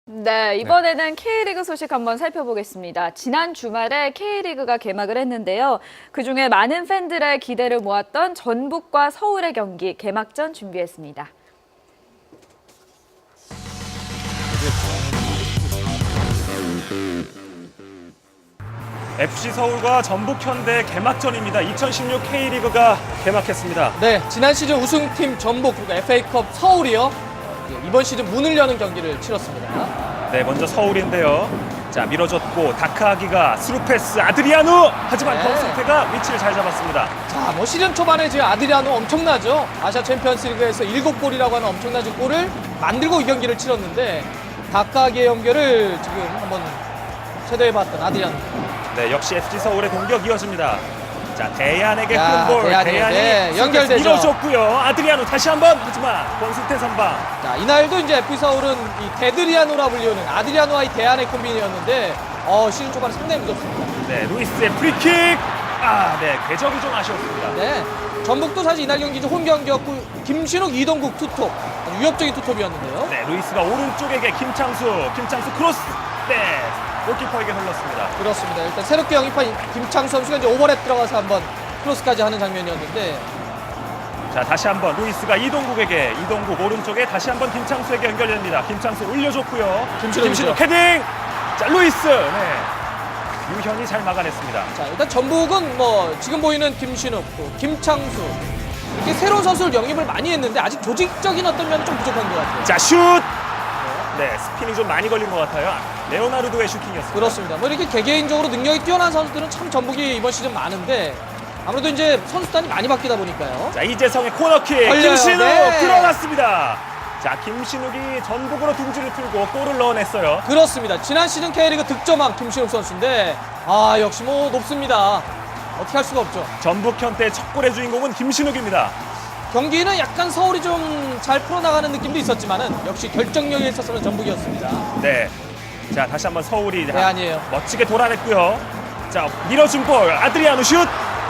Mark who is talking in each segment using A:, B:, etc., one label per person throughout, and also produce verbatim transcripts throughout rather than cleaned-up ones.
A: 네, 이번에는 K리그 소식 한번 살펴보겠습니다. 지난 주말에 K리그가 개막을 했는데요. 그중에 많은 팬들의 기대를 모았던 전북과 서울의 경기 개막전 준비했습니다.
B: 에프씨 서울과 전북 현대 개막전입니다. 이천십육 K리그가 개막했습니다.
C: 네, 지난 시즌 우승팀 전북 그리고 에프에이컵 서울이요. 이번 시즌 문을 여는 경기를 치렀습니다.
B: 네, 먼저 서울인데요. 자, 밀어줬고 다크아기가 스루 패스 아드리아누! 하지만
C: 네.
B: 권승태가 위치를 잘 잡았습니다.
C: 자, 뭐 시즌 초반에 지금 아드리아노 엄청나죠. 아시아 챔피언스리그에서 일곱 골이라고 하는 엄청난 골을 만들고 이 경기를 치렀는데 다크아기의 연결을 지금 한번 체도해봤던 아드리아노.
B: 네, 역시 에프씨 서울의 공격 이어집니다. 자, 대안에게
C: 야,
B: 큰 볼.
C: 대안이,
B: 대안이
C: 네, 연결되죠.
B: 밀어줬고요. 아드리아누 다시 한번 하지만 권승태 선방.
C: 자, 이날도 이제 에프씨 서울은 이 데드리아노라 불리우는 아드리아노와의 대안의 콤비니였는데 어, 시즌 초반에 상당히 무섭습니다.
B: 네, 루이스의 프리킥. 아, 네, 궤적이 좀 아쉬웠습니다.
C: 네, 전북도 사실 이날 경기 홈 경기였고 김신욱, 이동국 투톱 아주 위협적인 투톱이었는데요.
B: 네, 루이스가 오른쪽에게 김창수, 김창수 크로스. 네, 골키퍼에게 흘렀습니다.
C: 그렇습니다. 일단 새롭게 영입한 김창수 선수가 이제 오버랩 들어가서 한번 크로스까지 하는 장면이었는데
B: 자, 다시 한번 루이스가 이동국에게, 이동국 오른쪽에 다시 한번 김창수에게 연결됩니다. 김창수 올려줬고요.
C: 김신욱이죠.
B: 김신욱 헤딩. 자, 루이스. 네, 유현이 잘 막아냈습니다.
C: 자, 일단 전북은 뭐 지금 보이는 김신욱, 또 김창수 이렇게 새로운 선수를 영입을 많이 했는데 아직 조직적인 어떤 면은 좀 부족한 것 같아요.
B: 자, 슛. 네, 스핀이 좀 많이 걸린 것 같아요. 레오나르도의 슈팅이었습니다.
C: 그렇습니다. 뭐 이렇게 개개인적으로 능력이 뛰어난 선수들은 참 전북이 이번 시즌 많은데 아무래도 이제 선수단이 많이 바뀌다 보니까요.
B: 자, 이재성의 코너킥.
C: 걸려요.
B: 김신욱
C: 네.
B: 들어갔습니다. 자, 김신욱이 전북으로 둥지를 틀고 골을 넣어냈어요.
C: 그렇습니다. 지난 시즌 K리그 득점왕 김신욱 선수인데 아 역시 뭐 높습니다. 어떻게 할 수가 없죠.
B: 전북 현대의 첫 골의 주인공은 김신욱입니다.
C: 경기는 약간 서울이 좀 잘 풀어나가는 느낌도 있었지만은 역시 결정력에 있어서는 전북이었습니다.
B: 네. 자, 다시 한번 서울이
C: 네, 아니에요.
B: 멋지게 돌아냈고요. 자, 밀어준 볼 아드리아누 슛.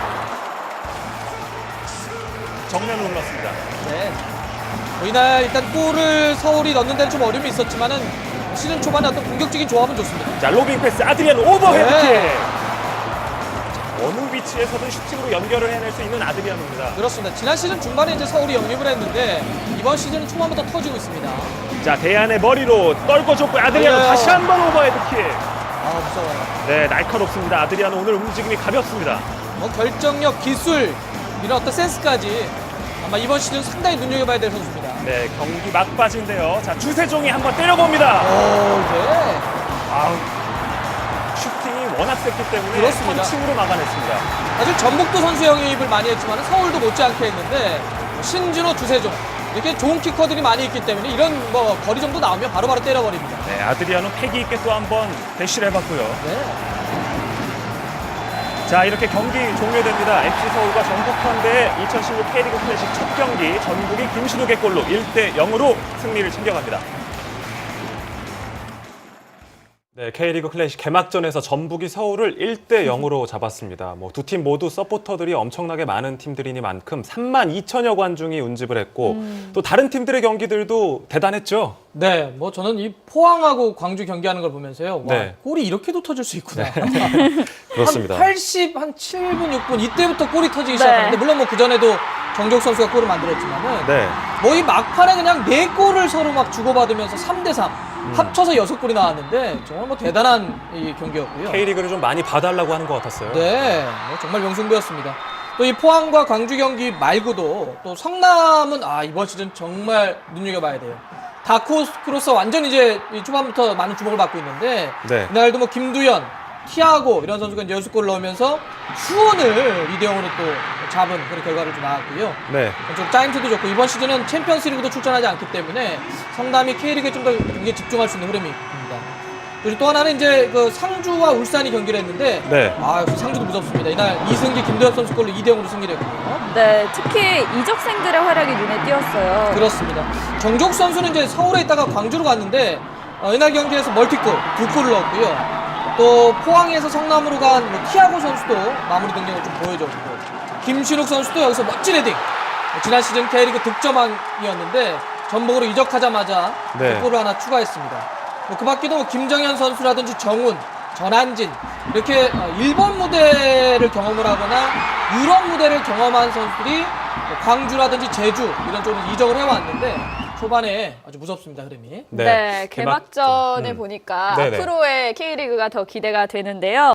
B: 정면으로 흘렀습니다.
C: 네. 뭐 이날 일단 골을 서울이 넣는 데는 좀 어려움이 있었지만은 시즌 초반에 어떤 공격적인 조합은 좋습니다.
B: 자, 로빙 패스 아드리아누 오버헤드킥.
C: 네.
B: 어느 위치에서든 슈팅으로 연결을 해낼 수 있는 아드리아누입니다.
C: 그렇습니다. 지난 시즌 중반에 이제 서울이 영입을 했는데 이번 시즌은 초반부터 터지고 있습니다.
B: 자, 대안의 머리로 떨궈줬고 아드리아누
C: 네.
B: 다시 한번 오버헤드킥.
C: 아 무서워요.
B: 네, 날카롭습니다. 아드리아누 오늘 움직임이 가볍습니다.
C: 뭐 결정력, 기술 이런 어떤 센스까지 아마 이번 시즌 상당히 눈여겨봐야 될 선수입니다.
B: 네, 경기 막바지인데요. 자, 주세종이 한번 때려봅니다.
C: 오, 네.
B: 아우, 슈팅이 워낙 셌기 때문에
C: 그렇습니다.
B: 펀칭으로 막아냈습니다.
C: 사실 전북도 선수 영입을 많이 했지만 서울도 못지않게 했는데 신진호, 주세종 이렇게 좋은 키커들이 많이 있기 때문에 이런 뭐 거리 정도 나오면 바로바로 때려버립니다.
B: 네, 아드리아누 패기 있게 또 한번 대시를 해봤고요.
C: 네.
B: 자, 이렇게 경기 종료됩니다. 에프씨 서울과 전북 현대의 이천십육 K리그 클래식 첫 경기 전북이 김신욱의 골로 일 대 영으로 승리를 챙겨갑니다.
D: 네, K리그 클래식 개막전에서 전북이 서울을 일 대 영으로 잡았습니다. 뭐 두 팀 모두 서포터들이 엄청나게 많은 팀들이니만큼 삼만 이천여 관중이 운집을 했고
A: 음.
D: 또 다른 팀들의 경기들도 대단했죠.
C: 네, 뭐 저는 이 포항하고 광주 경기하는 걸 보면서요. 와,
D: 네.
C: 골이 이렇게도 터질 수 있구나.
D: 그렇습니다.
C: 한 팔십, 한 칠 분, 육 분 이때부터 골이 터지기
A: 네.
C: 시작하는데 물론 뭐 그전에도 정적 선수가 골을 만들었지만은
D: 네.
C: 뭐 이 막판에 그냥 네 골을 서로 막 주고받으면서 삼 대 삼 합쳐서 여섯 골이 나왔는데 정말 뭐 대단한 이 경기였고요.
D: K리그를 좀 많이 봐달라고 하는 것 같았어요.
C: 네, 뭐 정말 명승부였습니다. 또 이 포항과 광주 경기 말고도 또 성남은 아 이번 시즌 정말 눈여겨봐야 돼요. 다크호스로서 완전 이제 이 초반부터 많은 주목을 받고 있는데
D: 네.
C: 이날도 뭐 김두현, 티아고 이런 선수가 이제 여섯 골을 넣으면서 수원을 이 대 영으로 또 잡은 그런 결과를 좀 나왔고요.
D: 네.
C: 좀 짜임새도 좋고 이번 시즌은 챔피언스리그도 출전하지 않기 때문에 성남이 K리그에 좀 더 경기에 집중할 수 있는 흐름이 있습니다. 그리고 또 하나는 이제 그 상주와 울산이 경기를 했는데
D: 네.
C: 아 역시 상주도 무섭습니다. 이날 이승기, 김도엽 선수 골로 이 대 영으로 승리를 했거든요.
A: 네, 특히 이적생들의 활약이 눈에 띄었어요.
C: 그렇습니다. 정족 선수는 이제 서울에 있다가 광주로 갔는데 어, 이날 경기에서 멀티골 두 골을 넣었고요. 또 포항에서 성남으로 간 뭐 티아고 선수도 마무리 능력을 좀 보여줬고 김신욱 선수도 여기서 멋진 헤딩. 지난 시즌 K리그 득점왕이었는데 전북으로 이적하자마자
D: 네.
C: 골을 하나 추가했습니다. 뭐 그 밖에도 뭐 김정현 선수라든지 정훈, 전한진 이렇게 어, 일본 무대를 경험을 하거나 유럽 무대를 경험한 선수들이 뭐 광주라든지 제주 이런 쪽으로 이적을 해왔는데 초반에 아주 무섭습니다, 흐름이.
A: 네,
D: 개막-
A: 개막전에
D: 음.
A: 보니까
D: 네네.
A: 앞으로의 K리그가 더 기대가 되는데요.